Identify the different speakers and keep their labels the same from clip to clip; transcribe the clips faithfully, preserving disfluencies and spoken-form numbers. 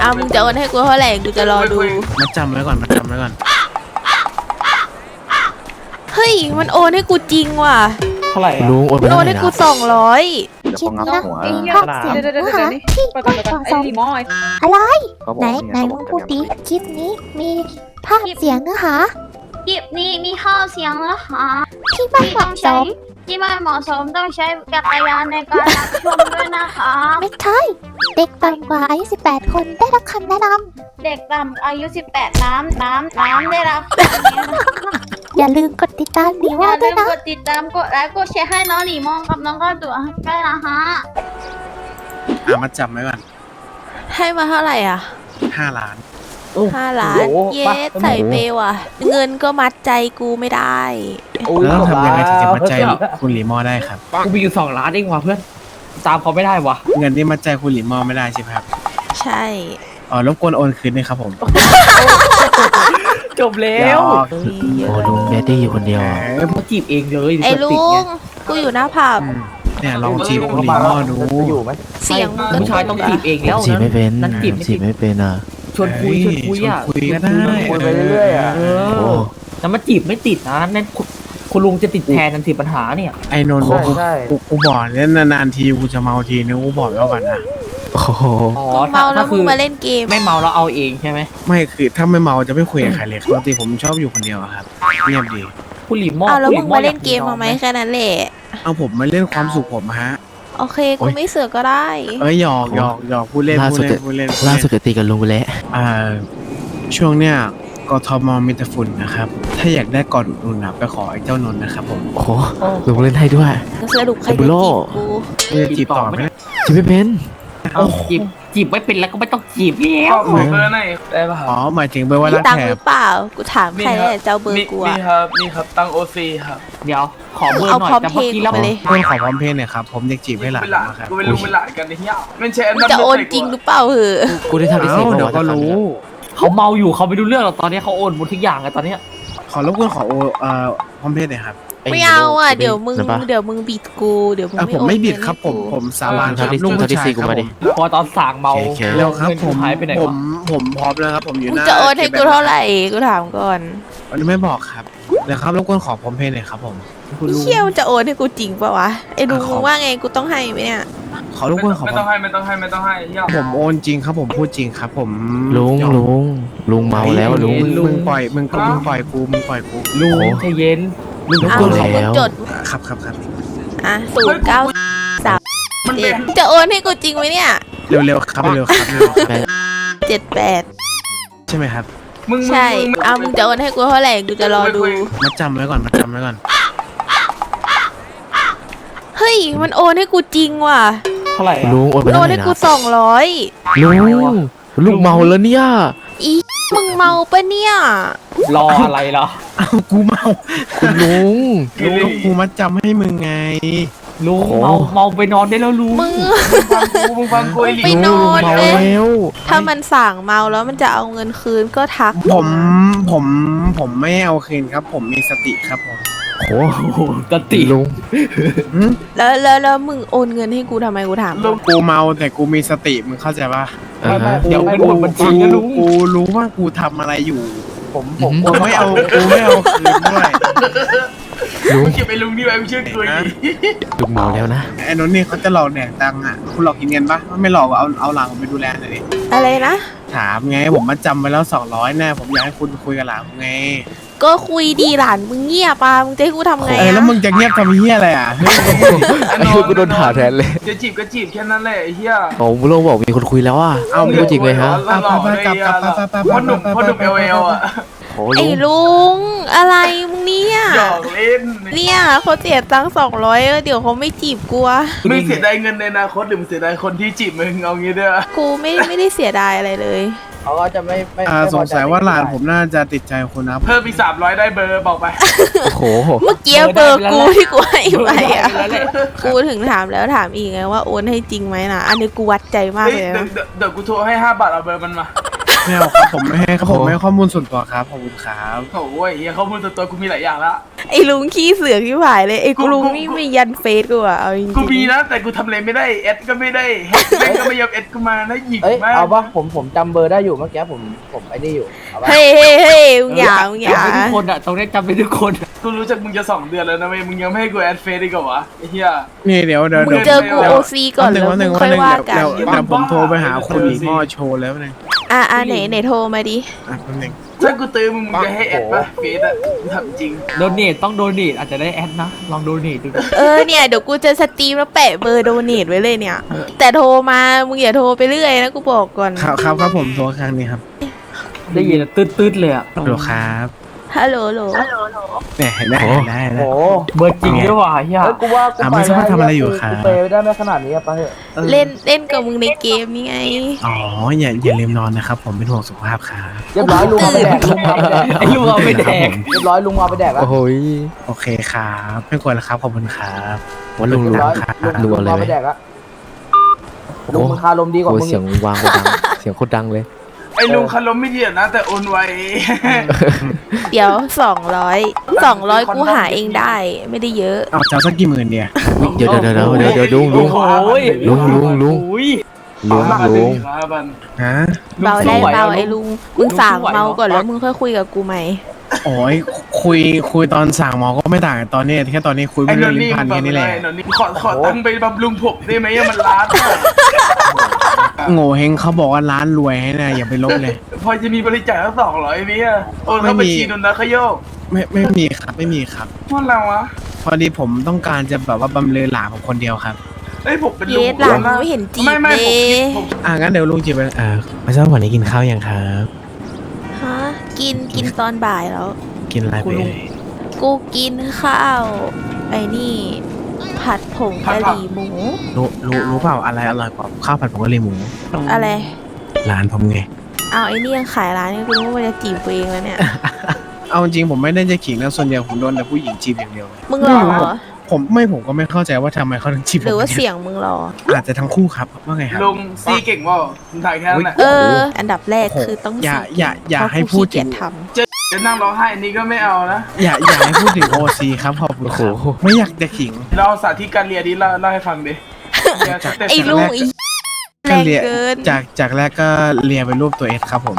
Speaker 1: ะมึงจะโอนให้กูเท่าไหร่กูจะรอดู
Speaker 2: มาจำไว้ก่อนมาจำไว้ก่อน
Speaker 1: เฮ้ยมันโอนให้กูจริงว่ะ
Speaker 3: เท่าไหร่อะ
Speaker 4: ลุงโอนไป
Speaker 1: โอ
Speaker 4: เท่าน ไหร่
Speaker 1: ให้
Speaker 4: นะ
Speaker 1: กูสองร้อย
Speaker 5: คลิปนี้นะ
Speaker 3: ภาพเสียง
Speaker 5: เดี๋ยวเดี๋ยวเดี๋ยวนี่ไปก่อนไปก่อนไอ้ลีมอย
Speaker 6: อะไรไหนไหนมึงพูดดิคลิปนี้มีภาพเสียงเนื้อหา
Speaker 7: คลิปนี้มีข้าวเสียงแล้วค่ะ
Speaker 6: ที่ไม่เห
Speaker 7: ต้
Speaker 6: มาะ
Speaker 7: อง
Speaker 6: ส
Speaker 7: ใช้
Speaker 6: ม
Speaker 7: ที่ไม่เหมาะสมต้องใช้จักรยานในการรับชมด้วยนะคะ
Speaker 6: ไม่ใช่เด็กต่ำกว่าอายุสิบแปดคนได้รับคำแนะน
Speaker 7: เด็กต่ำอายุสิบแปดน้ำน้ำน้ำได้รับ
Speaker 6: ำอย่าลืมกดติดตามดี
Speaker 7: อ
Speaker 6: ว่า
Speaker 7: ย่า
Speaker 6: ด้
Speaker 7: ลื
Speaker 6: วย
Speaker 7: ม
Speaker 6: นะ
Speaker 7: กดติดตามกดไลค์กดแชร์ให้น้องหลีมองกับน้องก็ตัวได้ละฮะ
Speaker 2: อ่ะมาจำไว้ก่อน
Speaker 1: ให้มาเท่าไหร่อ่ะ
Speaker 2: ห้าล้าน
Speaker 1: ห้าล้าน
Speaker 3: โอ้โห
Speaker 1: เยสใส่เปย์ว่ะ เงินก็มัดใจกูไม่ได้
Speaker 2: แล้วต้องทำยังไงถึงจะมัดใจคุณหลีมอได้ครับ
Speaker 3: กูมีอยู่สองล้านเองว่ะเพื่อนตามเขาไม่ได้ว่ะ
Speaker 2: เงินที่มัดใจคุณหลีมอไม่ได้ใช่ไหมครับ
Speaker 1: ใช่
Speaker 2: อ๋อรบกวนโอนคืนด้วยครับผม
Speaker 3: จบแล้ว
Speaker 2: หยอก
Speaker 1: เฮ้ยเย
Speaker 4: โอ้
Speaker 1: อะ
Speaker 4: ลุงแดดดี้อยู่คนเดียว
Speaker 2: เอ
Speaker 4: อะ
Speaker 2: อ
Speaker 3: มาจีบเองเลย
Speaker 1: ไอ้
Speaker 3: เปิด
Speaker 1: ลุ
Speaker 3: ติดไง
Speaker 1: งกูอยู่หน้าผับ
Speaker 2: อืมเนี่ยลองจีบคุณหลีมอดู
Speaker 1: เสียงมึงก็
Speaker 3: ผู้ชายต้องจีบเอง
Speaker 4: ผ
Speaker 3: แล้ว
Speaker 4: มจีบไม่เป็น
Speaker 3: นั่นจีบ
Speaker 4: ผมจีบไม่เป็นอ่ะ
Speaker 3: ชวนคุยชวนคุยอ่ะ
Speaker 2: ชวนคุยก็ได้
Speaker 3: คุยไปเรื่อยๆอ่ะเอ
Speaker 4: โอ้
Speaker 3: อแล้วมาจีบไม่ติดนะนั่นคุณคุณลุงจะติดแทนทันทีปัญหาเนี่ย
Speaker 2: ไอ้นนท์กูกูกูบอกเนี่ยนานๆทีกูจะเมาทีนึงกูบอกแล้วก่อนนะ
Speaker 4: โอ้โห
Speaker 3: อ๋อ
Speaker 1: กูเมาแล้วมึ
Speaker 3: คื
Speaker 1: งมาเล่นเกม
Speaker 3: ไม่เมาเราเอาเองใช่ไหม
Speaker 2: ไม่คือถ้าไม่เมาจะไม่คุยกับใครเลยปกติผมชอบอยู่คนเดียวอะครับเงียบดี
Speaker 3: คุณหลีมอ
Speaker 1: เอาแล้ว
Speaker 3: คุณห
Speaker 1: มึง
Speaker 3: อ
Speaker 1: มาเล่น
Speaker 3: อย
Speaker 1: เกมมาไหมแค่นั้นแหละ
Speaker 2: เอาผมมาเล่นความสุขผมฮะ
Speaker 1: โอเคกูไม่เสือกก็ได้
Speaker 2: เอ้ยหยอกหยอกหยอกพูดเล่น
Speaker 4: ล่า
Speaker 2: พู
Speaker 4: สุ
Speaker 2: ด
Speaker 4: ด
Speaker 2: เล่นพูดเล่นพูด
Speaker 4: ล่า
Speaker 2: เล่น
Speaker 4: สุดจะตีกับลุงไปแล้ว
Speaker 2: อ่าช่วงเนี้ยกทมมีแต่ฝุ่นนะครับ ถ้าอยากได้ก่อนอุ่นๆนะไปขอไอ้เจ้านนท์นะครับผม
Speaker 4: โอ้โหลุงเล่นให้ด้วย
Speaker 1: สรุปใครจะ
Speaker 4: บุ
Speaker 1: จี
Speaker 4: โร่
Speaker 1: บกู
Speaker 2: เพื่อจีบต่อไหม
Speaker 4: จีบไม่เป็น
Speaker 3: เอาจีบจีบไม่เป็นแล้วก็ไม่ต้องจีบแล้ว
Speaker 8: ขอเบอร์หน่อยได้ป่ะค
Speaker 2: อ๋
Speaker 8: รั
Speaker 2: อบ หมายถึงเบอร์ว่า
Speaker 1: มี
Speaker 2: รัก
Speaker 1: ตัง
Speaker 2: แถ
Speaker 1: ค์ห
Speaker 2: บ
Speaker 1: รือเปล่า กูถามใครอะเจ้าเบอร์กู
Speaker 8: มี
Speaker 1: อะ
Speaker 8: ครับมีครับตั้งโอซีครับ
Speaker 3: เดี๋ยวขอเบอร์
Speaker 1: เอา
Speaker 3: หน่อย
Speaker 1: พร้อม
Speaker 3: แต่
Speaker 1: เพ
Speaker 3: เมื่อ
Speaker 1: ย์
Speaker 3: กี้
Speaker 1: กู
Speaker 3: เรา
Speaker 1: ไปเลย
Speaker 2: เพื่อนขอพร้อมเพย์หน่อยครับผมอยากจีบให้หลาน
Speaker 8: เป็นหลาน
Speaker 2: นะครับ
Speaker 8: กูเป็นลุงเป็นหลานกันไอ้เหี้ยไม่ใช่อัน
Speaker 1: มึง
Speaker 8: นั้น
Speaker 1: จะโอนจริงหรือเปล่าเหอะ
Speaker 4: กูได้ทำที่สี่
Speaker 2: เอ้า
Speaker 4: เมื่
Speaker 2: เดี๋
Speaker 4: อ
Speaker 2: ยว
Speaker 4: วาน
Speaker 2: ก็รู้
Speaker 3: เขาเมาอยู่เขาไม่รู้เรื่องหรอกตอนนี้เขาโอนหมดทุกอย่างอะตอนเนี้ย
Speaker 2: ขอรบกวนขอโอเอ่อพร้อมเพย์หน่อยครับ
Speaker 1: ไม่เอาอะเดี๋ยวมึง
Speaker 4: นะปะ
Speaker 1: เดี๋ยวมึงบิดกู เดี๋ยวมึง
Speaker 2: อ่ะ
Speaker 1: ไม่
Speaker 2: ผม
Speaker 1: โอน
Speaker 2: ไม่บิด
Speaker 1: เงิน
Speaker 2: ครับ
Speaker 1: ให้
Speaker 2: ผม
Speaker 1: กู
Speaker 2: ผมสาบานค
Speaker 4: เท่า
Speaker 2: รับ
Speaker 4: ที่
Speaker 2: ลูก
Speaker 4: เท่า
Speaker 2: ผู้
Speaker 4: ที่
Speaker 2: ชาย
Speaker 4: สี่
Speaker 2: ค
Speaker 4: กู
Speaker 2: รับ
Speaker 4: มา
Speaker 2: ผ
Speaker 4: ดิ
Speaker 2: ม
Speaker 3: พอตอนสั่งเมา
Speaker 4: โอเค
Speaker 2: เร็วครับผม
Speaker 3: หายไปไหน
Speaker 2: ผ
Speaker 3: วะ
Speaker 2: มผมพร้อมแล้วครับผมอยู่
Speaker 1: มึ
Speaker 2: ห
Speaker 1: ง
Speaker 2: น้า
Speaker 1: จะโอนให้กูเท่าไหร่ กูถามก่อน
Speaker 2: วันนี้ไม่บอกครับเดี๋ยวครับรบกวนขอพร้อมเพย์หน่อยครับผมคุณลุง
Speaker 1: เชี่ยมันจะโอนให้กูจริงปะวะ ไอ้ลุง
Speaker 2: อ่ะขอ
Speaker 1: มึงว่าไงกูต้องให้ไหมเนี่ย
Speaker 2: ขอรบกวนขอ
Speaker 8: ไม่
Speaker 2: พร้
Speaker 8: ต้
Speaker 2: อ
Speaker 8: อ
Speaker 2: ม
Speaker 8: งให้ไม่ต้องให้ไม่ต้องให้เหี้ย
Speaker 2: ผมโอนจริงครับผมพูดจริงครับผม
Speaker 4: ลุงลุงลุงเมาแล้วลุง
Speaker 2: มึมึงปล่อยมึงก็มึงปล่อยกูมึงปล่อยกูลุง
Speaker 4: โอ้
Speaker 3: ใจเย็น
Speaker 2: ลุง
Speaker 4: ลุง
Speaker 1: เอา
Speaker 4: กด
Speaker 1: ของมึง
Speaker 4: แล้ว
Speaker 1: จด
Speaker 2: ครับครับครับ
Speaker 1: อ่ะศูนย์เก้าสาม
Speaker 8: มัน
Speaker 1: เจ็
Speaker 8: เป็
Speaker 1: ด
Speaker 8: น
Speaker 1: จะโอนให้กูจริงไหมเนี่ย
Speaker 2: เร็วๆครับเร็วๆครับเร็วๆครับ
Speaker 1: เจ็ดแปด
Speaker 2: ใช่ไหมครับ
Speaker 8: มึง
Speaker 1: ใช่เอามึงจะโอนให้กูเท่าไหร่ กูจะรอดู
Speaker 2: มาจำไว้ก่อนมาจำไว้ก่อน
Speaker 1: เฮ้ย มันโอนให้กูจริงว่ะ
Speaker 3: เท่าไหร่อะ
Speaker 4: ลุงโอนไป
Speaker 1: มันโอ
Speaker 4: เท่าน ไหร่
Speaker 1: ให้
Speaker 4: นะ
Speaker 1: กูสองร้อย
Speaker 4: ลุงลุงเมาแล้วเนี่ย
Speaker 1: อีมึงเมาปะเนี่ย
Speaker 3: รออะไรล่ะ
Speaker 2: อ้าวกูเมา
Speaker 4: คุณลุง
Speaker 2: ลุงกูมาจำให้มึงไง
Speaker 3: ลุง
Speaker 4: โอ้
Speaker 3: เมาเมาไปนอนได้แล้วลุง
Speaker 1: มึง
Speaker 8: ฟังกูมึงฟังกูไอ้หลี
Speaker 1: ไปนอน
Speaker 4: เมา
Speaker 1: เลย
Speaker 4: แล้ว
Speaker 1: ถ้ามันสั่งเมาแล้วมันจะเอาเงินคืนก็ทัก
Speaker 2: ผมผมผมไม่เอาคืนครับ ผมมีสติครับผม
Speaker 4: โอ้โห
Speaker 3: กติ
Speaker 4: ลุง
Speaker 2: หืม
Speaker 1: แล้วแล้วแล้วมึงโอนเงินให้กูทำไมกูถาม
Speaker 2: ลุงกูเมาแต่กูมีสติมึงเข้าใจปะ
Speaker 4: อ่าฮะ
Speaker 3: เดี๋ยว
Speaker 2: กู
Speaker 3: เป็นหมดบัญชีนะลุง
Speaker 2: กูรู้ว่ากูทำอะไรอยู่
Speaker 4: ผมผม
Speaker 2: กูไม่เอากูไม่เอาคืนด้วย
Speaker 4: ลุง
Speaker 8: เก็บไอ้ลุงนี่ไว้ไม่เชื่อกูอีก
Speaker 4: ลุงเมาแล้วนะ
Speaker 2: ไอ้นนท์นี่เขาจะหลอกแดกตังค์อ่ะคุณหลอกกินเงินปะไม่หลอกเอาเอาหลังผมไปดูแลหน่อยดิ
Speaker 1: อะไรนะ
Speaker 2: ถามไงผมมาจำไปแล้วสองร้อยแน่ผมอยากให้คุณคุยกับหลานผมไง
Speaker 1: ก็คุยดีหลานมึงเงียบปะมึงจะให้กูทำไง
Speaker 2: เออแล้ว
Speaker 1: อะ
Speaker 2: มึงจะเงียบทำเฮียอะไรอ่ะเฮ้ย
Speaker 4: ไอ้เหี้ยกูโดนด่าแทนเลย
Speaker 8: จะจีบก็จีบแค่นั้นแหละไอ้เหี้ย
Speaker 4: โอ้ลุงบอกมีคนคุยแล้วอ่ะ
Speaker 2: เอา
Speaker 4: ไม่รู้จริงเลยฮะ
Speaker 8: หล่อๆเลยไอ้เหี้ยพ่อหนุ่มพ่อหนุ่มเอลเอลอ่ะ
Speaker 4: โอ้
Speaker 1: ไอ้
Speaker 4: ลุง
Speaker 1: ลุงอะไรมึงเนี่ย
Speaker 8: หยอกเล่น
Speaker 1: เนี่ยเขาเสียตังค์สองร้อยเดี๋ยวเขาไม่จีบกูอะ
Speaker 8: มึงเสียดายเงินในอนาคตหรือมึงเสียดายคนที่จีบมึงเอางี้เด้อ
Speaker 1: กูไม่ไม่ได้เสียดายอะไรเลย
Speaker 3: เขาก็จะไม่ไม่
Speaker 2: อ่าสงสัยว่าหลานผมน่าจะติดใจคุณนะ
Speaker 8: เพิ่มอีกสามร้อยได้เบอร์บอกไป
Speaker 4: โอ้โห
Speaker 1: เมื่อกี้เบอร์กูที่กูให้ไปอะ
Speaker 3: แล้วแหละ
Speaker 1: กูถึงถามแล้วถามอีกไงว่าโอนให้จริงไหมนะอันนี้กูวัดใจมาก
Speaker 8: เฮ้ย
Speaker 1: เลย
Speaker 8: เดี๋ยว
Speaker 1: นะ
Speaker 8: เดี๋ยวเดี๋ยวกูโทรให้ห้าบาทเอาเบอร์มันมา
Speaker 2: ไม่เอาครับผมไม่ให้ครับผมไม่ให้ข้อมูลส่วนตัวครับขอบคุณครับ
Speaker 8: โอ้ยเฮียข้อมูลส่วนตัวกูมีหลายอย่างละ
Speaker 1: ไอ้ลุงขี้เสือกที่ผายเลยไอ้กูลุงนี่ไม่ยันเฟซกูอะเอาจริงๆ
Speaker 8: กูมีนะแต่กูทำอะไรไม่ได้เอสก็ไม่ได้เฮดแม่งก็ไม่ยอมเอสกูมานะหยิก
Speaker 3: เอ้ย
Speaker 8: มาก
Speaker 3: เอาปะผมผมจำเบอร์ได้อยู่เมื่อกี้ผมผมไอ้นี่อยู่เอาปะ
Speaker 1: เฮ้ยเฮ้ยเฮ้ยมึงอย่ามึงอย่า
Speaker 3: จำเป็นทุกคนอะตรงนี้จำเป็นทุกคนอะ
Speaker 8: กูรู้จักมึงจะสองเดือนแล้วนะเว้ยมึงยังไม่ให้กูแอดเฟซอีกเหรอวะไอ้เหี้ย
Speaker 2: นี่เดี๋ยวเดี๋ยว
Speaker 1: มึง
Speaker 2: เดี๋ยว
Speaker 1: เจอกู
Speaker 2: ดี๋ยว
Speaker 1: โอซีก่อนแล้ว
Speaker 2: วันห
Speaker 1: มึ
Speaker 2: นึ่ง
Speaker 1: ง
Speaker 2: วั
Speaker 1: ค่อย
Speaker 2: นหนึ่ง
Speaker 1: ว่า
Speaker 2: เดี๋ยว
Speaker 1: กัน
Speaker 2: เดี๋ยวเดี๋ยวผมโทรไปหาคุณหลีหม้อโชว์แล้วนึง
Speaker 1: อ่ะอ่ะไหนไหนโทรมาดิ
Speaker 2: อ่ะแป๊บนึง
Speaker 8: ถ้ากูตื้อมึงมึงจะให้แอดปะเฟซอะกูทำจริง
Speaker 3: โดเนทต้องโดเนทอาจจะได้แอดนะลองโดเนทดู
Speaker 1: เออเนี่ยเดี๋ยวกูจะสตรีมแล้วแปะเบอร์โดเนทไว้เลยเนี่ย แต่โทรมามึงอย่าโทรไปเรื่อยนะกูบอกก่อน
Speaker 2: ครับครับครับผมโทรครั้งนี้ครับ
Speaker 3: ได้ยินอะตืดๆเลยอะ
Speaker 2: ฮัลโหลครับ
Speaker 1: ฮัลโหลโหล
Speaker 2: เนี่ยเห็นไหมเห็นได้นะ
Speaker 3: โอ้เบอร์จริงด้วยว่ะเฮียกูว่ากู
Speaker 2: อ่ะไม่ทราบว่าทำอะไรอยู่ครับ
Speaker 3: กูเปย์ได้ไม่ขนาดนี้อะไปเถอะ
Speaker 1: เล่นเล่นกับมึงในเกมนี่ไง
Speaker 2: อ๋ออย่าอย่าลืมนอนนะครับ ผมเป็นห่วงสุขภาพครับ
Speaker 3: เรียบร้อยลุงเอาไปแดกลุงเอาไปแดก
Speaker 4: ไอ้ลุงเอาไปแดก
Speaker 3: เรียบร้อยลุงเอาไปแดกแล้ว
Speaker 4: โอ้โหย
Speaker 2: โอเคครับไม่ควรแล้วครับขอบคุณครับ
Speaker 4: วันลุง
Speaker 3: เรี
Speaker 4: ลุ
Speaker 3: ย
Speaker 4: ง
Speaker 3: บร้อย
Speaker 2: ครับ
Speaker 3: ลุง
Speaker 4: ลุงเอาเลย
Speaker 3: เอา
Speaker 4: ไหม
Speaker 3: ไปแดกแล้วลุงมึงคารมดีกว่า
Speaker 4: โอ้
Speaker 3: มึง
Speaker 4: เสียงวางโคตรดังเสียงโคตรดังเลย
Speaker 8: ไอ้ลุงคารมไม่ดีอะนะแต่โอนไว
Speaker 1: เดี๋ยวสองร้อยสองร้อยกูหาเองได้ไม่ได้เยอะ
Speaker 2: เอาเจ้าสักกี่หมื่นเดีย
Speaker 4: เดี๋ยวเดี๋ยวเดี๋ยวเดี๋ยวเดี๋ยวลุงลุง
Speaker 3: โอ้ย
Speaker 4: ลุงลุงลุง
Speaker 3: อุ้ย
Speaker 4: ลุง
Speaker 8: มา
Speaker 4: ลุง
Speaker 8: ครับบัน
Speaker 2: ฮะ
Speaker 1: เบาได้เบาไอ้ลุงมึง
Speaker 3: ลุง
Speaker 1: สั่ง
Speaker 3: สู้ไหว
Speaker 1: เมา
Speaker 3: เหรอ
Speaker 1: ก่อนแล้วมึงค่อยคุยกับกูไหม
Speaker 2: โอ้ยคุยคุยตอนสั่งหมอก็ไม่ต่างกันตอนนี้แค่ตอนนี้คุย
Speaker 8: ไอ้
Speaker 2: ไม่
Speaker 8: น
Speaker 2: เรื่อน งลิ้
Speaker 8: นี่
Speaker 2: นพัน
Speaker 8: แบบ
Speaker 2: แค่นี้แหละ
Speaker 8: ไอ้นนนี่ขอขอตังค์ไปบำรุงผมได้ไหมอะมันล้านอะ
Speaker 2: โง่เฮงเขาบอกว่าร้านรวยให้นะอย่าไปลบเลย
Speaker 8: พอจะมีบริจาคสักสองร้อยไหมอะโอนเข้าบัญชีนนนะขยโยก
Speaker 2: ไม่ไม่มีครับไม่มีครับ
Speaker 8: ว่าเราวะ
Speaker 2: พอดีผมต้องการจะแบบว่าบำเรอหลานผมคนเดียวครับ
Speaker 8: เอ้ยผมเป็น
Speaker 1: เย
Speaker 8: ลุง
Speaker 1: สหลานมึงไม่เห็นจีบ
Speaker 8: ไม่ไม่
Speaker 1: เล
Speaker 8: ผม
Speaker 1: ย
Speaker 8: ผม
Speaker 2: อ่ะงั้นเดี๋ยวลุงจีบไปอ่าไม่ทราบวันนี้กินข้าวยังครับ
Speaker 1: ฮะกินกินตอนบ่ายแล้ว
Speaker 2: กินอะไรไปเอ่ย
Speaker 1: กูกินข้าวไอ้นี่ ผัดผงกะหรี่หมู
Speaker 2: รู้รู้รู้เปล่าอะไรอร่อยกว่าข้าวผัดผงกะหรี่หมู
Speaker 1: อะไร
Speaker 2: ร้านผมไง
Speaker 1: เอาไอ้นี่ยังขายร้านนี่กูรู้ว่ามันจะจีบกูเองแล้วเนี่ย
Speaker 2: เอาจริงผมไม่ได้จะขิงนะส่วนใหญ่ผมโดนแต่ผู้หญิงจีบอย่างเดียวเลย
Speaker 1: มึงหรอ
Speaker 2: ผมไม่ผมก็ไม่เข้าใจว่าทำไมเขาถึงจีบผม
Speaker 1: หรือว่าเสียงมึงหรอ
Speaker 2: อาจจะทั้งคู่ครับว่าไงครับ
Speaker 8: ลุงซีเก่งว่ามึงถ่ายแค่นั้นแหละ
Speaker 1: เออ อันดับแรก
Speaker 2: โอ้โห
Speaker 1: คือต้อง
Speaker 2: อย่า
Speaker 1: สี
Speaker 2: อย่าอย่า
Speaker 1: เพระ
Speaker 2: ให้
Speaker 1: กู
Speaker 2: พูด
Speaker 1: ขี้เกียจ
Speaker 2: ถึง
Speaker 1: ท
Speaker 8: จะนั่งร้องไห้อันนี้ก็ไม่เอานะ
Speaker 2: อย่าอย่าให้พูดถึงโอซีครับขอบคุณครับ
Speaker 4: โอ้โห
Speaker 2: ไม่อยากจะขิง
Speaker 8: เราสาธิตการเรียนนี้เล่าเล่าให้ฟังดิ
Speaker 1: ำไอ้ลุงไอ้แร
Speaker 2: ก็
Speaker 1: ง
Speaker 2: เลีย
Speaker 1: เกิน
Speaker 2: จากจากแรกก็เลียเป็นรูปตัวเอสครับผม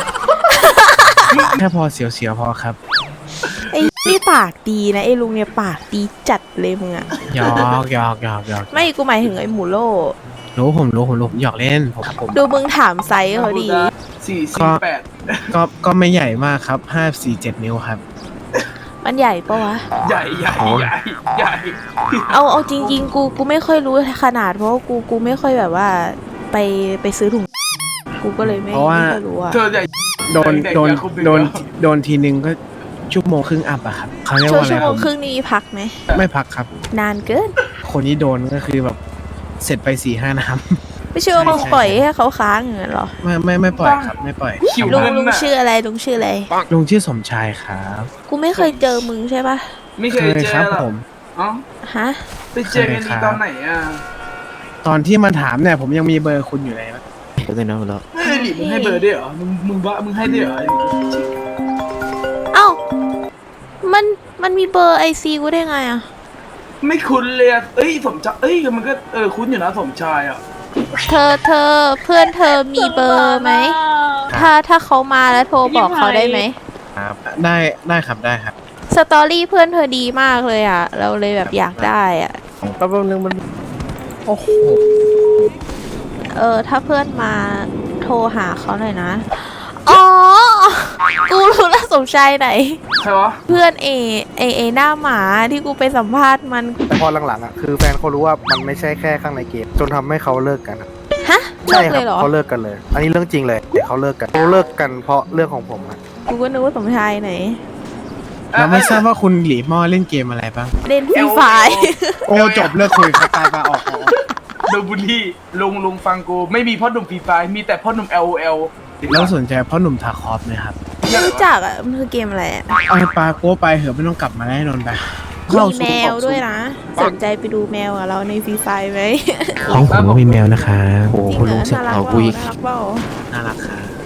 Speaker 2: แค่พอเสียวๆพอครับ
Speaker 1: ไอ้นี่ปากดีนะไอ้ลุงเนี่ยปากดีจัดเลยมึงอะ
Speaker 2: หยอกหยอกหยอกหยอก
Speaker 1: ไม่กูหมายถึงไอ้หมูโล
Speaker 2: รู้ผมรู้ผมรู้ผมหยอกเล่นผมครับผม
Speaker 1: ดูมึงถามไซส์เขาดี
Speaker 8: สี่สี่แปด
Speaker 2: ก็ก็ไม่ใหญ่มากครับห้าสี่เจ็ดนิ้วครับ
Speaker 1: มันใหญ่ปะวะ
Speaker 8: ใหญ่ใหญ่ใหญ่ใหญ่
Speaker 1: เอาเอาจริง ๆ กูกูไม่ค่อยรู้ขนาดเพราะว่ากูกูไม่ค่อยแบบว่า ไปไปซื้อถุงกูก็เลยไม่
Speaker 2: เพราะว่า
Speaker 1: ไม่ค่อยรู้อะ
Speaker 8: เธอใหญ่
Speaker 2: โดนโดน
Speaker 8: เด็กๆอย่าคุม
Speaker 2: โดน
Speaker 8: เด็กๆ
Speaker 2: โดนทีนึงก็ชั่วโมงครึ่งอัพอะครับเขาเรียก
Speaker 1: ชั่ว
Speaker 2: ว่าอะไร
Speaker 1: ชั่ว
Speaker 2: ค
Speaker 1: โม
Speaker 2: รับ
Speaker 1: งครึ่งนี้มีพักไหม
Speaker 2: ไม่พักครับ
Speaker 1: นานเกิน
Speaker 2: คนที่โดนก็คือแบบเสร็จไปสี่ห้าน้
Speaker 1: ไม่ใช่ว่ามึง
Speaker 2: ใช่
Speaker 1: ปล่อยให้เขาค้างอย่างนั้นหรอ
Speaker 2: ำไม่ไม่ไม่ปล่อยครับ ไม่ปล่อย
Speaker 8: หิว
Speaker 1: ลุง
Speaker 8: เงิน
Speaker 1: ลุง
Speaker 8: น่ะ
Speaker 1: ชื่ออะไรลุงชื่ออะไร
Speaker 2: ลุงชื่อสมชายครับ
Speaker 1: กูไม่เคยเจอมึงใช่ปะ
Speaker 8: ไม่เคยเจ
Speaker 2: ครั
Speaker 8: อหรอ
Speaker 2: ผม
Speaker 8: อ๋อ
Speaker 1: ฮะ
Speaker 8: ไปเจอกันดีตอนไหนอ่ะ
Speaker 2: ตอนที่มาถามเนี่ยผมยังมีเบอร์คุณอยู่เลยนะ
Speaker 4: เดี๋ยวนะแล้ว
Speaker 8: เฮ้ยหลิมึงให้เบอร์ด้วยเหรอ มึงมึงว่ามึงให้ด้วยเหรอ
Speaker 1: เอ้ามันมันมีเบอร์ไอซีกูได้ไงอะ
Speaker 8: ไม่คุ้นเลยอะเอ้ยสมชายเอ้ยมันก็เออคุ้นอยู่นะสมชายอ่ะ
Speaker 1: เธอเธอเพื่อนเธอมีเบอร์ไหมถ้าถ้าเขามาแล้วโทรบอกเขาได้ไหม
Speaker 2: ครับได้ได้ครับได้ครับ
Speaker 1: สตอรี่เพื่อนเธอดีมากเลยอะเราเลยแบบอยากได้อะ
Speaker 2: แป๊บนึงมันโอ้โห
Speaker 1: เออถ้าเพื่อนมาโทรหาเขาหน่อยนะอ๋อกูรู้แล้วสมชายไหน
Speaker 8: ใครวะ
Speaker 1: เพื่อนเอเอเอหน้าหมาที่กูไปสัมภาษณ์มัน
Speaker 9: แต่พอหลังๆอ่ะคือแฟนเขารู้ว่ามันไม่ใช่แค่ข้างในเกมจนทำให้เขาเลิกกันอะ
Speaker 1: ฮะเลิ
Speaker 9: ใช่
Speaker 1: ก
Speaker 9: ค
Speaker 1: เล
Speaker 9: รั
Speaker 1: ยเหรอ
Speaker 9: เขาเลิกกันเลย อันนี้เรื่องจริงเลยเดี๋ยวเขาเลิกกันเขาเลิกกันเพราะเรื่องของผมอะ
Speaker 1: กูก็นึกว่าสมชายไหน
Speaker 2: เราไม่ทราบว่าคุณหลีหม้อเล่นเกมอะไรบ้าง
Speaker 1: เล่นฟรีไฟ
Speaker 2: โอ้จบเลิกคุยครับตายมาออกออก
Speaker 8: โดนบุลลี่ลุงลุงฟังกู ไม่มีพ่อหนุ่มฟรีไฟมีแต่พ่อหนุ่ม แอล โอ แอล
Speaker 2: แล้วสนใจพ่อหนุ่มทาคอฟไหมครับ
Speaker 1: ไม่รู้จักอ่ะมันคือเกมอะไรอ่ะ
Speaker 2: เอาปลาโก้ไปเหอะไม่ต้องกลับมาแน่นอนไป
Speaker 1: มีแมวด้วยนะ สนใจไปดูแมวกับเราในฟรีไฟไหม
Speaker 2: ของผมก็มีแมวนะครับ
Speaker 4: โอ้โห
Speaker 1: จริงเหร
Speaker 4: ลุ
Speaker 1: อง
Speaker 4: เสียง
Speaker 1: น่ารัก
Speaker 4: เอา
Speaker 1: เป
Speaker 4: กู
Speaker 1: ล่า
Speaker 4: อีก
Speaker 1: น่ารักเปล่า
Speaker 2: น่ารักครับ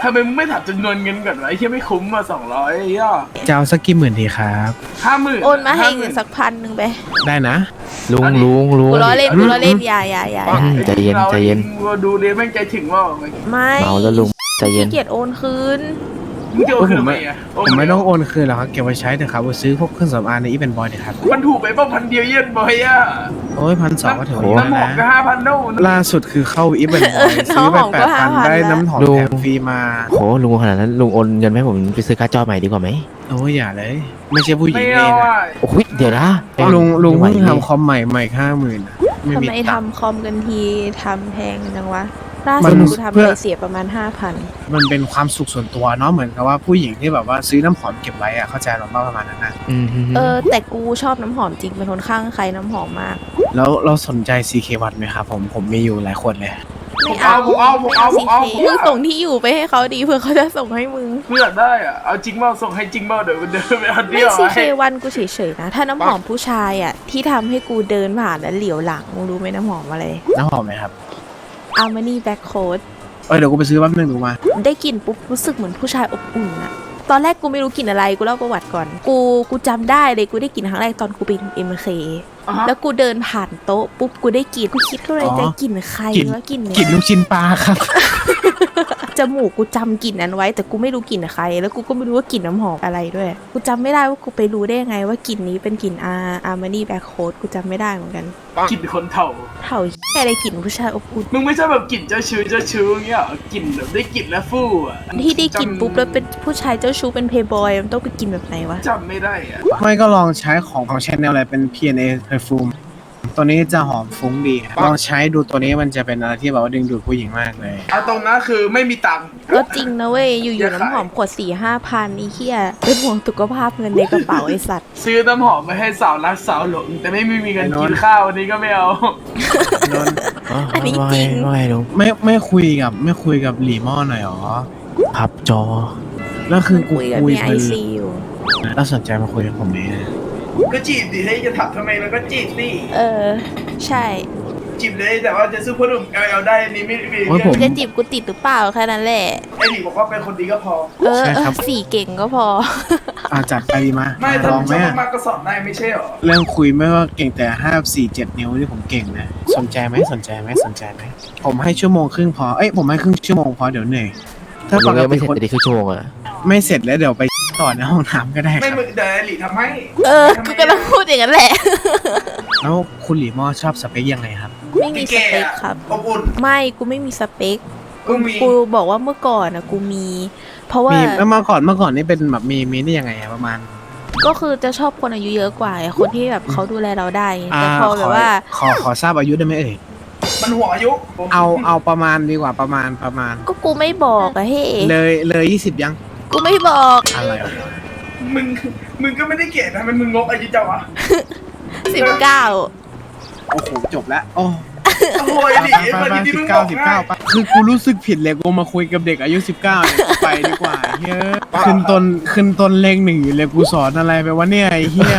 Speaker 8: ทำไมมึงไม่ถามจำนวนเงินก่อนวะไอ้เหี้ยไม่คุ้มมาสองร้อยไอ้เหี้ย
Speaker 2: จะเอาสักกี่หมื่นดีครับ
Speaker 8: ห้าหมื่น
Speaker 1: โอนมาให้เงินสักพันหนึ่งไป
Speaker 2: ได้นะ
Speaker 4: ลุงลุงลุง
Speaker 1: กูล้อเล่นกูล้อเล่นอย่าอย่าอย่าอย่า
Speaker 4: ใจเย็นใจเย็น
Speaker 8: ดูเรียนแม่งใจถึงว่า
Speaker 1: ไม่
Speaker 4: เมาแล้วลุงใจเย็น
Speaker 1: ขี้เกียจโอนคืน
Speaker 8: มึงจะเอาคืนไหมอ่ะ
Speaker 2: ผมไม่ต้องโอนคืนหรอกครับเก็บไว้ใช้เถอะครับซื้อพวกเครื่องสำอางในอีเวนต์บอยเถอะครับ
Speaker 8: มันถูกไปเปล่าพันเดียวเย็นบอยอ่ะ
Speaker 2: โอ้ยพันสองก็ถือว่าเยอะ
Speaker 8: น้ำหอมก็
Speaker 2: นะ
Speaker 8: ห้าพันโน่น
Speaker 2: ล่าสุดคือเข้าอีเวนต์บอยซื้อไปแปดพันได้น้ำหอมแถมฟรีมา
Speaker 4: โหลุงขนาดนั้นลุงโอนเงินให้ผมไปซื้อการ์ดจอใหม่ดีกว่าไหม
Speaker 2: โอ้ยอย่าเลย ไม่ใช่ผู้หญิ
Speaker 8: ไม่
Speaker 2: งเอ
Speaker 8: เอา
Speaker 2: ง
Speaker 8: อ่ะ
Speaker 4: โอ้ยเดี๋ยวนะ
Speaker 2: ลุงลุง
Speaker 4: ไม่
Speaker 2: เพิ่ง
Speaker 4: ไหว
Speaker 2: ทำคอมใหม่ใหม่ห้าหมื่นไม่
Speaker 1: ทำ
Speaker 2: มี
Speaker 1: ไม
Speaker 2: ตังค์
Speaker 1: ทำคอมกันทีทำแพงจังวะล่า
Speaker 2: มั
Speaker 1: สุ
Speaker 2: น
Speaker 1: ดกูทำ
Speaker 2: เพื่
Speaker 1: ไป
Speaker 2: อ
Speaker 1: เสียประมาณห้าพัน
Speaker 2: มันเป็นความสุขส่วนตัวเนาะเหมือนกับว่าผู้หญิงที่แบบว่าซื้อน้ำหอมเก็บไว้อะเข้าใจหรอว่าประมาณนั้นนะ
Speaker 4: อืม
Speaker 1: เออแต่กูชอบน้ำหอมจริงเป็นคนข้างใครน้ำหอมมาก
Speaker 2: แล้วเราสนใจ ซี เค วัตไหมครับผมผมมีอยู่หลายขวดเลย
Speaker 1: ไม่เอา
Speaker 8: ผมเอาผมเอาผมเอา
Speaker 1: ซีเคมึงส่งที่อยู่ไปให้เขาดีเพื่อเขาจะส่งให้มึง
Speaker 8: เพื่อได้อ่ะเอาจริงเปล่าส่งให้จริงเปล่าเดี๋ยวเดินไปเอาเดี
Speaker 1: ไม่
Speaker 8: ยว
Speaker 1: ซีเค
Speaker 8: ให้
Speaker 1: วันกูเฉยๆนะ ถ้าน้ำหอมผู้ชายอ่ะที่ทำให้กูเดินผ่านแล้วเหลียวหลังมึงรู้ไหมน้ำหอมอะไร
Speaker 2: น้ำหอมไหมครับ
Speaker 1: อามานี่แบ็คโค้ด
Speaker 2: เออเดี๋ยวกูไปซื้อแป๊บนึงดูมา
Speaker 1: ได้กลิ่นปุ๊บรู้สึกเหมือนผู้ชายอบอุ่นอะตอนแรกกูไม่รู้กลิ่นอะไรกูเล่าประวัติก่อน กูกูจำได้เลยกูได้กลิ่นครั้งแรกตอนกูเป็น เอ็ม เค
Speaker 8: อ่าฮะ
Speaker 1: แล้วกูเดินผ่านโต๊ะปุ๊บกูได้กลิ่นกูคิดเข้าในใจ
Speaker 2: อ๋อ
Speaker 1: กลิ่นใคร
Speaker 2: กลิ่น
Speaker 1: วะกลิ่นเนี้
Speaker 2: กลิ่น
Speaker 1: ย
Speaker 2: ลูกชิ้นปลาครับ
Speaker 1: จมูกกูจำกลิ่นนั้นไว้ แต่กูไม่รู้กลิ่นใคร แล้วกูก็ไม่รู้ว่ากลิ่นน้ำหอมอะไรด้วย กูจำไม่ได้ว่ากูไปรู้ได้ยังไงว่ากลิ่นนี้เป็นกลิ่นอาอาร์มานี่แบ็คโค้ดกูจำไม่ได้เหมือนกัน
Speaker 8: กลิ่นคนเถ่า
Speaker 1: เท่าแค่อะไรกลิ่นผู้ชายอบอุ่น
Speaker 8: มึงไม่ใช่แบบกลิ่นเจ้าชู้เจ้าชู้เงี้ยเหรอกลิ่นแบบได้กลิ่นแล้วฟู่อ่ะ
Speaker 1: ที่ได้กลิ่นปุ๊บแล้วเป็นผู้ชายเจ้าชู้เป็นเพย์บอยมันต้องเป็นกลิ่นแบบไหนวะ
Speaker 8: จำไม่ได้อ่ะ
Speaker 2: ไม่ก็ลองใช้ของของชาแนลอะไรเป็น พี เอ็น เอ Perfume ตัวนี้จะหอมฟุ้งดี ลองใช้ดูตัวนี้มันจะเป็นอะไรที่แบบว่าดึงดูดผู้หญิงมากเลย
Speaker 8: เอาตรงนั้นคือไม่มีตังค์
Speaker 1: ก็จริงนะเว้ย อยู่
Speaker 8: อย่า
Speaker 1: ๆ
Speaker 8: ขาย
Speaker 1: น้ำหอมขวดสี่ห้าพันอีเหี้ยเป็นห่วงสุขภาพเงินในกระเป๋าไอสัตว์
Speaker 8: ซื้อน้ำหอมมาให้สาวรักสาวหลง แต่ไม่มีเงิน
Speaker 2: ไอ้นนท์
Speaker 8: กินข้าววันนี้ก็ไม่เอา
Speaker 2: นนท์
Speaker 1: อันนี้
Speaker 4: ว่า
Speaker 1: จริง
Speaker 4: ว่าไงลุง
Speaker 2: ไม่ไม่คุยกับไม่คุยกับหลีม่อหน่อยหรอ
Speaker 4: พับจอ
Speaker 2: แล้วคือกู
Speaker 1: คุยกับ
Speaker 2: คุย
Speaker 1: มีไอ
Speaker 2: เพลิน
Speaker 1: ซีอยู่
Speaker 2: แล้วสนใจมาคุยกับผมไหม
Speaker 8: ก็จีบดิให้จะถามทำไมแล้วก็จีบสิ
Speaker 1: เออ ใช่
Speaker 8: จีบเลยแต่ว่าจะซื้อพ่อหนุ่ม แอล แอล ได้อันนี้ไม่ไม่
Speaker 2: โอ้ยผม
Speaker 1: จะจีบกูติดหรือเปล่าแค่นั้นแหละ
Speaker 8: ไอ้หลีบอกว่าเป็นคนดีก็พอ
Speaker 1: เออ
Speaker 2: ใช่
Speaker 1: เอ
Speaker 2: ครั
Speaker 1: อบ สี่เก่งก็พอ
Speaker 2: อ่าจัดไปดีมา
Speaker 8: ไม่ถ้า
Speaker 2: ลอง
Speaker 8: มึง
Speaker 2: ไหม
Speaker 8: ชอบ
Speaker 2: อะ
Speaker 8: มากๆก็สอนได้ไม่ใช่หรอ
Speaker 2: เรื่องคุยไม่ว่าเก่งแต่ห้าสี่เจ็ดนิ้วที่ผมเก่งนะสนใจไหมสนใจไหมสนใจไหมผมให้ชั่วโมงครึ่งพอเอ้ยผมให้ครึ่งชั่วโมงพอเดี๋ยวเหนื่อยถ้า
Speaker 4: ลุ
Speaker 2: ป
Speaker 4: ง
Speaker 2: ก
Speaker 4: ยัง
Speaker 2: ติ
Speaker 4: ไม่เสร็จ
Speaker 2: คน
Speaker 4: แต่ดีคือชั่วโมงอะ
Speaker 2: ไม่เสร็จแล้วเดี๋ยวไปต่อในห้องน้ำก็ได้ค
Speaker 8: ไม่
Speaker 2: รับ
Speaker 8: มึงเดี๋ยวไอ้หลีทำให้
Speaker 1: เออ กูกำลังพูดอย่างนั้นแหละ
Speaker 2: แล้วคุณหลีม่อชอบสเปคยังไงครับ
Speaker 1: ไม่มีสเปคครับ
Speaker 8: อบอุ่น
Speaker 1: ไม่ กูไม่มีสเปค
Speaker 8: กูมี
Speaker 1: กูบอกว่าเมื่อก่อนอะกูมี เพราะว่า
Speaker 2: มีแล้วเมื่อก่อนเมื่อก่อนนี่เป็นแบบมีมีได้ยังไงอะประมาณ
Speaker 1: ก็คือจะชอบคนอายุเยอะกว่าไงคนที่แบบเขาดูแลเราได้ไง
Speaker 2: อ่า
Speaker 1: แต่พอแบบว่า
Speaker 2: ขอขอขอทราบอายุได้ไหมเอ่ย
Speaker 8: มันห่วงอายุผม
Speaker 2: เอาเอาประมาณดีกว่าประมาณประมาณ
Speaker 1: ก็กูไม่บอกอะเฮ้
Speaker 2: เลยเลยยี่สิบยัง
Speaker 1: กูไม่บอก
Speaker 2: อะไรวะ
Speaker 8: มึงมึงก็ไม่ได้เกลียดนะมันมึงงกอายุจังวะ
Speaker 1: สิบเก้า
Speaker 2: โอ้โหจบแล้วโอ้
Speaker 8: โอ้ยหลี
Speaker 2: ไป
Speaker 8: คน
Speaker 2: ไป
Speaker 8: ที่
Speaker 2: สิ
Speaker 8: มึ
Speaker 2: บ
Speaker 8: งบ
Speaker 2: เก้า
Speaker 8: อก
Speaker 2: สิบ
Speaker 8: ง่า
Speaker 2: เก้าย ปะคือกูรู้สึกผิดเลยกูมาคุยกับเด็กอายุสิบเก้าเนี่ยกูไปดีกว่าเฮ้ยขึ้นต้นขึ้นต้นเลขหนึ่งอยู่เลยกูสอนอะไรไปวะเนี่ยไอ้เหี้ย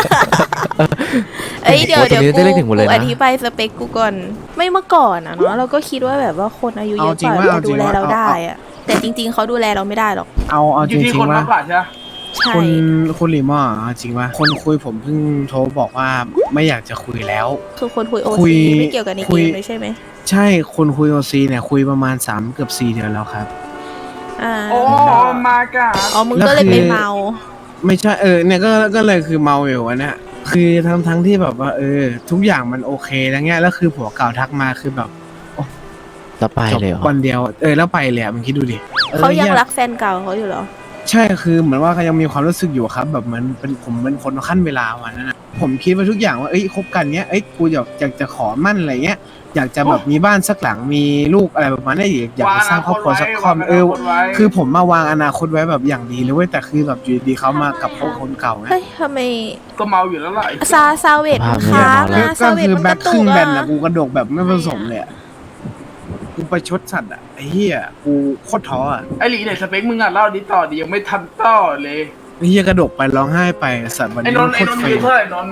Speaker 1: เอ้ยเดี๋ยว
Speaker 4: โอ้
Speaker 1: เดี๋ยว
Speaker 4: ตรงนี้
Speaker 1: กู
Speaker 4: ได้เลขถึงหมดเลย
Speaker 1: กู
Speaker 4: นะ
Speaker 1: อธิบายสเปคกูก่อน ไม่เมื่อก่อนอะเนาะเราก็คิดว่าแบบว่าคนอายุเยอะกว่าจะดูแลเราได้อะแต่จริง ๆเขาดูแลเราไม่ได้หรอก
Speaker 2: เอาเอา
Speaker 8: อ
Speaker 2: จ
Speaker 8: ยู่ที่
Speaker 2: ริง
Speaker 8: คน
Speaker 2: ๆ
Speaker 8: มา
Speaker 2: ว่าก
Speaker 8: กว่าใช่ไหม
Speaker 1: ใช่
Speaker 2: คุณคุณหลีม่อเอาจริงว่าคนคุยผมเพิ่งโทรบอกว่าไม่อยากจะคุยแล้ว
Speaker 1: คือคนคุยโอ
Speaker 2: คุย
Speaker 1: ซีไม่เกี่ยวกับใน
Speaker 2: คุ
Speaker 1: เก
Speaker 2: ย
Speaker 1: มเลยใช่ไหม
Speaker 2: ใช่คนคุยโอซีเนี่ยคุยประมาณสามเกือบสี่เดือนแล้วครับ
Speaker 1: อ่า
Speaker 8: โอ้มากะ
Speaker 1: อ๋อมึงก็เลยไปเมา
Speaker 2: ไม่ใช่เออเนี่ยก็ก็เลยคือเมาอยู่วะเนี่ยคือทั้งทั้งที่แบบว่า เออ ทุกอย่างมันโอเคแล้วเงี้ยแล้วคือผัวเก่าทักมาคือแบบ
Speaker 4: แล้วไป
Speaker 2: จบ
Speaker 4: เลยเหรอ
Speaker 2: วันเดียวเออแล้วไปเลยอะมึงคิดดูดิออ
Speaker 1: เขายัง
Speaker 2: หี้
Speaker 1: รักแฟนเก่าเขาอยู่เหรอ
Speaker 2: ใช่คือเหมือนว่าเขายังมีความรู้สึกอยู่ครับ แบบเหมือนเป็นผมเป็นคนขั้นเวลาวันนั้นนะผมคิดว่าทุกอย่างว่าเอ้ยคบกันเนี้ยเอ้ยกูอยากอยากจะขอมั่นอะไรเงี้ยอยากจะแบบมีบ้านสักหลังมีลูกอะไรประมาณนี้อยากอยากจะสร้างครอบครัวสักครอบเออ คือผมมาวางอนาคตไว้แบบอย่างดีเลยเว้ยแต่คือแบบอยู่ดีๆเขามากับเขาคนเก่าไง
Speaker 1: เฮ้ยทำไม
Speaker 8: ก็เมาอยู่แล้วแหละ
Speaker 1: ซาซาเวตมันค้าง
Speaker 2: ก็
Speaker 1: นะซาเวต
Speaker 2: คือ
Speaker 1: มัน
Speaker 2: แบ็
Speaker 1: ก
Speaker 2: ค
Speaker 1: ระ
Speaker 2: ค
Speaker 1: ตุ
Speaker 2: รึ่
Speaker 1: ก
Speaker 2: งแบ
Speaker 1: อะ
Speaker 2: นอะกูกระดกแบบไม่ผสมเลยอะกูไปชดสัตว์อะไอ้เหี้ยกูโคตรท้ออะ
Speaker 8: ไอ้หลีเนี่ยสเปคมึงอ่ะเล่าดิต่อดิยังไม่ทันต่อเลย
Speaker 2: ไอ้เหี้ยกระดกไปร้องไห้ไปสัตว์วัน
Speaker 8: ไอ้
Speaker 2: นี้
Speaker 8: น
Speaker 2: มัน น
Speaker 8: ท์
Speaker 2: โค
Speaker 8: ไอ้
Speaker 2: ต
Speaker 8: น
Speaker 2: ร
Speaker 8: นท์
Speaker 2: เฟ
Speaker 8: อายุ
Speaker 2: ล
Speaker 8: เท่าไหร่นนท์